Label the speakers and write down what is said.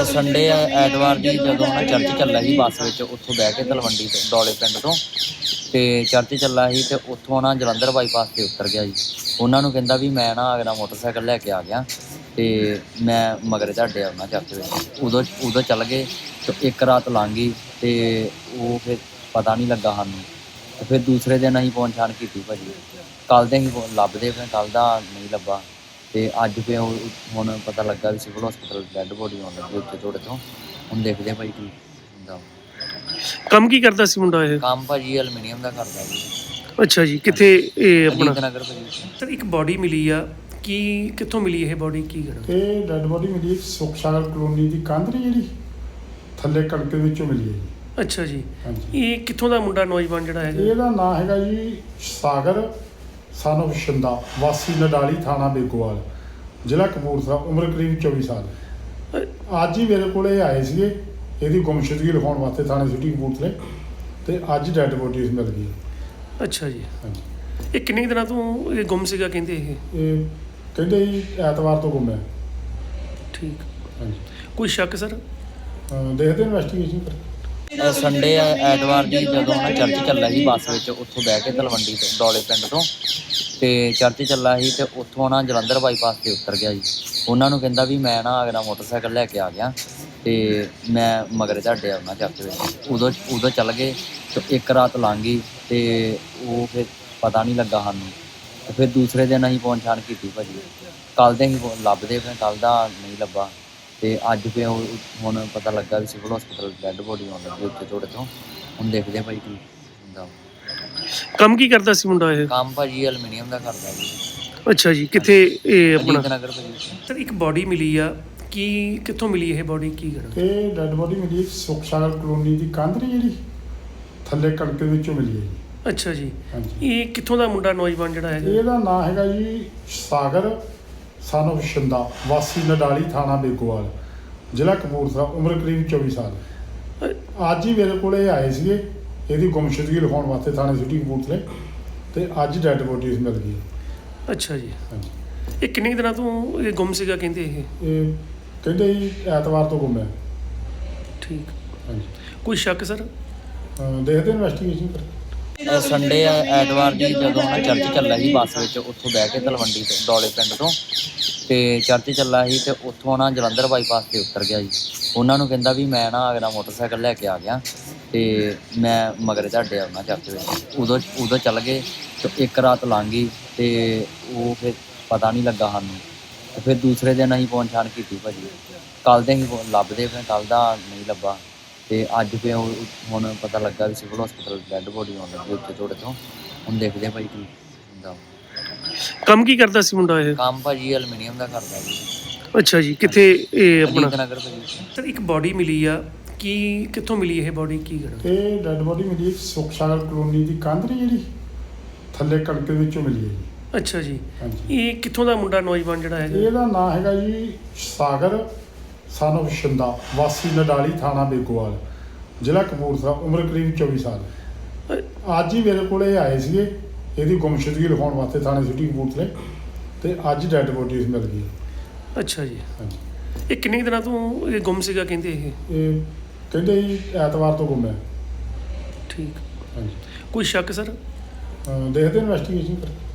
Speaker 1: Sunday ਐਤਵਾਰ ਦੀ ਜਦੋਂ ਨਾ ਚਰਚ ਚੱਲਾ ਸੀ ਬੱਸ ਵਿੱਚ, ਉੱਥੋਂ ਬਹਿ ਕੇ ਤਲਵੰਡੀ ਤੋਂ ਡੋਲੇ ਪਿੰਡ ਤੋਂ ਤੇ ਚਰਚ ਚੱਲਾ ਸੀ ਤੇ ਉੱਥੋਂ ਨਾ ਜਲੰਧਰ ਬਾਈਪਾਸ ਤੇ ਉਤਰ ਗਿਆ ਜੀ। ਉਹਨਾਂ ਨੂੰ ਕਹਿੰਦਾ ਵੀ ਮੈਂ ਨਾ ਅਗਲਾ ਮੋਟਰਸਾਈਕਲ ਲੈ ਕੇ ਆ ਗਿਆ ਤੇ ਮੈਂ ਮਗਰ ਤੁਹਾਡੇ ਆਉਣਾ ਚਰਚ ਵਿੱਚ। ਉਦੋਂ ਚੱਲ ਗਏ ਤੇ ਇੱਕ ਰਾਤ ਲੰਘ ਗਈ ਤੇ ਉਹ ਫਿਰ ਪਤਾ ਨਹੀਂ ਲੱਗਾ ਸਾਨੂੰ। ਤੇ ਫਿਰ ਦੂਸਰੇ ਦਿਨ ਅਸੀਂ ਪਹੁੰਚਾਣ ਕੀਤੀ ਭਾਜੀ। ਕੱਲ੍ਹ ਦੇ ਅਸੀਂ ਲੱਭਦੇ ਫਿਰ ਕੱਲ੍ਹ ਦਾ ਨਹੀਂ ਲੱਭਾ ਤੇ ਅੱਜ ਫਿਰ ਹੁਣ ਪਤਾ ਲੱਗਾ ਵੀ ਸਿਵਲ ਹਸਪੀਟਲ ਡੈੱਡ ਬੋਡੀ ਆਉਣ ਲੱਗੀ ਉੱਥੇ ਥੋੜੇ ਤੋਂ। ਹੁਣ ਦੇਖਦੇ ਭਾਈ ਕੀ ਹੁੰਦਾ।
Speaker 2: ਕੰਮ ਕੀ ਕਰਦਾ ਸੀ ਮੁੰਡਾ ਇਹ?
Speaker 1: ਕੰਮ ਭਾਜੀ ਐਲੂਮੀਨੀਅਮ ਦਾ ਕਰਦਾ ਜੀ।
Speaker 2: ਅੱਛਾ ਜੀ, ਕਿੱਥੇ ਇਹ ਆਪਣਾ?
Speaker 1: ਅਜੀਤ ਨਗਰ ਭਾਜੀ।
Speaker 2: ਸਰ ਇੱਕ ਬਾਡੀ ਮਿਲੀ ਆ, ਕੀ ਕਿੱਥੋਂ ਮਿਲੀ ਇਹ ਬਾਡੀ, ਕੀ ਕਰਾਂ?
Speaker 3: ਇਹ ਡੈਡ ਬੋਡੀ ਮਿਲੀ ਸੁਖਸ਼ਾਗਰ ਕਲੋਨੀ ਦੀ ਕੰਧ ਨਹੀਂ ਜਿਹੜੀ ਥੱਲੇ ਕਣਕ ਦੇ ਵਿੱਚੋਂ ਮਿਲੀ ਹੈ ਜੀ।
Speaker 2: ਅੱਛਾ ਜੀ,
Speaker 3: ਹਾਂਜੀ।
Speaker 2: ਇਹ ਕਿੱਥੋਂ ਦਾ ਮੁੰਡਾ ਨੌਜਵਾਨ ਜਿਹੜਾ ਹੈਗਾ?
Speaker 3: ਇਹਦਾ ਨਾਂ ਹੈਗਾ ਜੀ ਸਾਗਰ son of ਸ਼ਿੰਦਾ, ਵਾਸੀ ਨਡਾਲੀ, ਥਾਣਾ ਬੇਗੋਵਾਲ, ਜ਼ਿਲ੍ਹਾ ਕਪੂਰਥਲਾ, ਉਮਰ ਕਰੀਬ 24 ਸਾਲ। ਅੱਜ ਹੀ ਮੇਰੇ ਕੋਲ ਇਹ ਆਏ ਸੀਗੇ ਇਹਦੀ ਗੁੰਮਸ਼ੁਦਗੀ ਲਿਖਾਉਣ ਵਾਸਤੇ ਥਾਣੇ ਸਿਟੀ ਕਪੂਰਥਲੇ, ਤੇ ਅੱਜ ਡੈਡ ਬੋਡੀ ਇਸ ਮਿਲ ਗਈ।
Speaker 2: ਅੱਛਾ ਜੀ,
Speaker 3: ਹਾਂਜੀ।
Speaker 2: ਇਹ ਕਿੰਨੇ ਕੁ ਦਿਨਾਂ ਤੋਂ ਇਹ ਗੁੰਮ ਸੀਗਾ ਕਹਿੰਦੇ ਇਹ?
Speaker 3: ਇਹ ਕਹਿੰਦੇ ਜੀ ਐਤਵਾਰ ਤੋਂ ਗੁੰਮ ਹੈ।
Speaker 2: ਠੀਕ।
Speaker 3: ਹਾਂਜੀ।
Speaker 2: ਕੋਈ ਸ਼ੱਕ ਸਰ?
Speaker 3: ਦੇਖਦੇ ਇਨਵੈਸਟੀਗੇਸ਼ਨ ਕਰ।
Speaker 1: ਸੰਡੇ ਐਤਵਾਰ ਦੀ ਜਦੋਂ ਨਾ ਚਰਚ ਚੱਲਾ ਸੀ ਬੱਸ ਵਿੱਚ, ਉੱਥੋਂ ਬਹਿ ਕੇ ਤਲਵੰਡੀ ਤੋਂ ਡੋਲੇ ਪਿੰਡ ਤੋਂ ਤੇ ਚਰਚ ਚੱਲਾ ਸੀ ਤੇ ਉੱਥੋਂ ਨਾ ਜਲੰਧਰ ਬਾਈਪਾਸ ਤੇ ਉਤਰ ਗਿਆ ਜੀ। ਉਹਨਾਂ ਨੂੰ ਕਹਿੰਦਾ ਵੀ ਮੈਂ ਨਾ ਅਗਲਾ ਮੋਟਰਸਾਈਕਲ ਲੈ ਕੇ ਆ ਗਿਆ ਤੇ ਮੈਂ ਮਗਰ ਤੁਹਾਡੇ ਆਉਣਾ ਚਰਚ ਵਿੱਚ। ਉਦੋਂ ਚੱਲ ਗਏ ਤੇ ਇੱਕ ਰਾਤ ਲੰਘ ਗਈ ਤੇ ਉਹ ਫਿਰ ਪਤਾ ਨਹੀਂ ਲੱਗਾ ਸਾਨੂੰ। ਤੇ ਫਿਰ ਦੂਸਰੇ ਦਿਨ ਅਸੀਂ ਪਹੁੰਚਾਣ ਕੀਤੀ ਭਾਜੀ। ਕੱਲ੍ਹ ਦੇ ਅਸੀਂ ਲੱਭਦੇ ਫਿਰ ਕੱਲ੍ਹ ਦਾ ਨਹੀਂ ਲੱਭਾ ਤੇ ਅੱਜ ਫਿਰ ਹੁਣ ਪਤਾ ਲੱਗਾ ਵੀ ਸਿਵਲ ਹਸਪੀਟਲ ਡੈੱਡ ਬੋਡੀ ਆਉਣ ਲੱਗੀ ਉੱਥੇ ਥੋੜੇ ਤੋਂ। ਹੁਣ ਦੇਖਦੇ ਭਾਈ ਕੀ ਹੁੰਦਾ।
Speaker 2: ਕੰਮ ਕੀ ਕਰਦਾ ਸੀ ਮੁੰਡਾ ਇਹ?
Speaker 1: ਕੰਮ ਭਾਜੀ ਐਲੂਮੀਨੀਅਮ ਦਾ ਕਰਦਾ ਜੀ।
Speaker 2: ਅੱਛਾ ਜੀ, ਕਿੱਥੇ ਇਹ ਆਪਣਾ?
Speaker 1: ਅਜੀਤ ਨਗਰ ਭਾਜੀ।
Speaker 2: ਸਰ ਇੱਕ ਬਾਡੀ ਮਿਲੀ ਆ, ਕੀ ਕਿੱਥੋਂ ਮਿਲੀ ਇਹ ਬਾਡੀ, ਕੀ ਕਰਾਂ?
Speaker 3: ਇਹ ਡੈਡ ਬੋਡੀ ਮਿਲੀ ਸੁਖਸ਼ਾਗਰ ਕਲੋਨੀ ਦੀ ਕੰਧ ਨਹੀਂ ਜਿਹੜੀ ਥੱਲੇ ਕਣਕ ਦੇ ਵਿੱਚੋਂ ਮਿਲੀ ਹੈ ਜੀ।
Speaker 2: ਅੱਛਾ ਜੀ,
Speaker 3: ਹਾਂਜੀ।
Speaker 2: ਇਹ ਕਿੱਥੋਂ ਦਾ ਮੁੰਡਾ ਨੌਜਵਾਨ ਜਿਹੜਾ ਹੈਗਾ?
Speaker 3: ਇਹਦਾ ਨਾਂ ਹੈਗਾ ਜੀ ਸਾਗਰ son of ਸ਼ਿੰਦਾ, ਵਾਸੀ ਨਡਾਲੀ, ਥਾਣਾ ਬੇਗੋਵਾਲ, ਜ਼ਿਲ੍ਹਾ ਕਪੂਰਥਲਾ, ਉਮਰ ਕਰੀਬ 24 ਸਾਲ। ਅੱਜ ਹੀ ਮੇਰੇ ਕੋਲ ਇਹ ਆਏ ਸੀਗੇ ਇਹਦੀ ਗੁੰਮਸ਼ੁਦਗੀ ਲਿਖਾਉਣ ਵਾਸਤੇ ਥਾਣੇ ਸਿਟੀ ਕਪੂਰਥਲੇ, ਤੇ ਅੱਜ ਡੈਡ ਬੋਡੀ ਇਸ ਮਿਲ ਗਈ।
Speaker 2: ਅੱਛਾ ਜੀ,
Speaker 3: ਹਾਂਜੀ।
Speaker 2: ਇਹ ਕਿੰਨੇ ਕੁ ਦਿਨਾਂ ਤੋਂ ਇਹ ਗੁੰਮ ਸੀਗਾ ਕਹਿੰਦੇ ਇਹ?
Speaker 3: ਇਹ ਕਹਿੰਦੇ ਜੀ ਐਤਵਾਰ ਤੋਂ ਗੁੰਮ ਹੈ।
Speaker 2: ਠੀਕ।
Speaker 3: ਹਾਂਜੀ।
Speaker 2: ਕੋਈ ਸ਼ੱਕ ਸਰ?
Speaker 3: ਦੇਖਦੇ ਇਨਵੈਸਟੀਗੇਸ਼ਨ ਕਰ।
Speaker 1: ਸੰਡੇ ਐਤਵਾਰ ਦੀ ਜਦੋਂ ਨਾ ਚਰਚ ਚੱਲਾ ਸੀ ਬੱਸ ਵਿੱਚ, ਉੱਥੋਂ ਬਹਿ ਕੇ ਤਲਵੰਡੀ ਤੋਂ ਡੋਲੇ ਪਿੰਡ ਤੋਂ ਤੇ ਚਰਚ ਚੱਲਾ ਸੀ ਤੇ ਉੱਥੋਂ ਨਾ ਜਲੰਧਰ ਬਾਈਪਾਸ ਤੇ ਉਤਰ ਗਿਆ ਜੀ। ਉਹਨਾਂ ਨੂੰ ਕਹਿੰਦਾ ਵੀ ਮੈਂ ਨਾ ਅਗਲਾ ਮੋਟਰਸਾਈਕਲ ਲੈ ਕੇ ਆ ਗਿਆ ਤੇ ਮੈਂ ਮਗਰ ਤੁਹਾਡੇ ਆਉਣਾ ਚਰਚ ਵਿੱਚ। ਉਦੋਂ ਚੱਲ ਗਏ ਤੇ ਇੱਕ ਰਾਤ ਲੰਘ ਗਈ ਤੇ ਉਹ ਫਿਰ ਪਤਾ ਨਹੀਂ ਲੱਗਾ ਸਾਨੂੰ। ਤੇ ਫਿਰ ਦੂਸਰੇ ਦਿਨ ਅਸੀਂ ਪਹੁੰਚਾਣ ਕੀਤੀ ਭਾਜੀ। ਕੱਲ੍ਹ ਦੇ ਅਸੀਂ ਲੱਭਦੇ ਫਿਰ ਕੱਲ੍ਹ ਦਾ ਨਹੀਂ ਲੱਭਾ ਤੇ ਅੱਜ ਫਿਰ ਹੁਣ ਪਤਾ ਲੱਗਾ ਵੀ ਸਿਵਲ ਹਸਪੀਟਲ ਡੈੱਡ ਬੋਡੀ ਆਉਣ ਲੱਗੀ ਉੱਥੇ ਥੋੜੇ ਤੋਂ। ਹੁਣ ਦੇਖਦੇ ਭਾਈ ਕੀ ਹੁੰਦਾ।
Speaker 2: ਕੰਮ ਕੀ ਕਰਦਾ ਸੀ ਮੁੰਡਾ ਇਹ?
Speaker 1: ਕੰਮ ਭਾਜੀ ਐਲੂਮੀਨੀਅਮ ਦਾ ਕਰਦਾ ਜੀ।
Speaker 2: ਅੱਛਾ ਜੀ, ਕਿੱਥੇ ਇਹ ਆਪਣਾ?
Speaker 1: ਅਜੀਤ ਨਗਰ ਭਾਜੀ।
Speaker 2: ਸਰ ਇੱਕ ਬਾਡੀ ਮਿਲੀ ਆ, ਕੀ ਕਿੱਥੋਂ ਮਿਲੀ ਇਹ ਬਾਡੀ, ਕੀ ਕਰਾਂ?
Speaker 3: ਇਹ ਡੈਡ ਬੋਡੀ ਮਿਲੀ ਸੁਖਸ਼ਾਗਰ ਕਲੋਨੀ ਦੀ ਕੰਧ ਨਹੀਂ ਜਿਹੜੀ ਥੱਲੇ ਕਣਕ ਦੇ ਵਿੱਚੋਂ ਮਿਲੀ ਹੈ ਜੀ।
Speaker 2: ਅੱਛਾ ਜੀ,
Speaker 3: ਹਾਂਜੀ।
Speaker 2: ਇਹ ਕਿੱਥੋਂ ਦਾ ਮੁੰਡਾ ਨੌਜਵਾਨ ਜਿਹੜਾ ਹੈਗਾ?
Speaker 3: ਇਹਦਾ ਨਾਂ ਹੈਗਾ ਜੀ ਸਾਗਰ son of ਸ਼ਿੰਦਾ, ਵਾਸੀ ਨਡਾਲੀ, ਥਾਣਾ ਬੇਗੋਵਾਲ, ਜ਼ਿਲ੍ਹਾ ਕਪੂਰਥਲਾ, ਉਮਰ ਕਰੀਬ 24 ਸਾਲ। ਅੱਜ ਹੀ ਮੇਰੇ ਕੋਲ ਇਹ ਆਏ ਸੀਗੇ ਇਹਦੀ ਗੁੰਮਸ਼ੁਦਗੀ ਲਿਖਾਉਣ ਵਾਸਤੇ ਥਾਣੇ ਸਿਟੀ ਕਪੂਰਥਲੇ, ਤੇ ਅੱਜ ਡੈਡ ਬੋਡੀ ਇਸ ਮਿਲ ਗਈ।
Speaker 2: ਅੱਛਾ ਜੀ,
Speaker 3: ਹਾਂਜੀ।
Speaker 2: ਇਹ ਕਿੰਨੇ ਕੁ ਦਿਨਾਂ ਤੋਂ ਇਹ ਗੁੰਮ ਸੀਗਾ ਕਹਿੰਦੇ ਇਹ?
Speaker 3: ਇਹ ਕਹਿੰਦੇ ਜੀ ਐਤਵਾਰ ਤੋਂ ਗੁੰਮ ਹੈ।
Speaker 2: ਠੀਕ।
Speaker 3: ਹਾਂਜੀ।
Speaker 2: ਕੋਈ ਸ਼ੱਕ ਸਰ?
Speaker 3: ਦੇਖਦੇ ਇਨਵੈਸਟੀਗੇਸ਼ਨ ਕਰ।